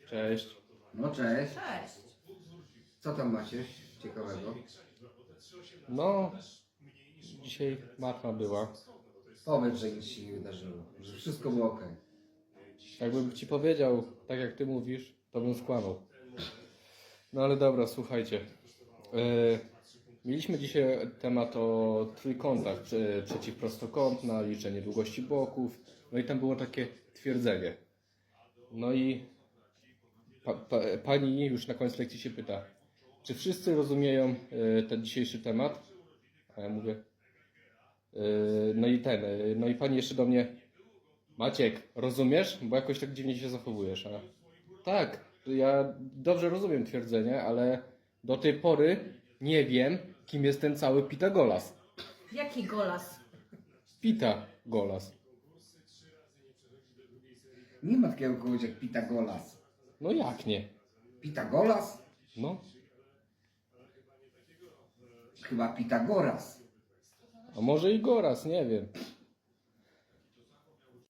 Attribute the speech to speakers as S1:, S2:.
S1: Cześć.
S2: No cześć.
S3: Cześć.
S2: Co tam macie ciekawego?
S1: No, dzisiaj matma była.
S2: Powiedz, że nic się nie wydarzyło, że wszystko było ok.
S1: Jakbym ci powiedział, tak jak ty mówisz, to bym skłamał. No ale dobra, słuchajcie. Mieliśmy dzisiaj temat o trójkątach przeciwprostokątna, liczenie długości boków. No i tam było takie twierdzenie. No i pani już na koniec lekcji się pyta, czy wszyscy rozumieją ten dzisiejszy temat? A ja mówię, no i pani jeszcze do mnie, Maciek, rozumiesz? Bo jakoś tak dziwnie się zachowujesz. A tak, ja dobrze rozumiem twierdzenie, ale do tej pory nie wiem, kim jest ten cały Pitagoras.
S3: Jaki golas?
S1: Pitagoras.
S2: Nie ma takiego kogoś jak Pitagoras.
S1: No jak nie?
S2: Pitagoras?
S1: No,
S2: Chyba Pitagoras.
S1: a może i Goras, nie wiem.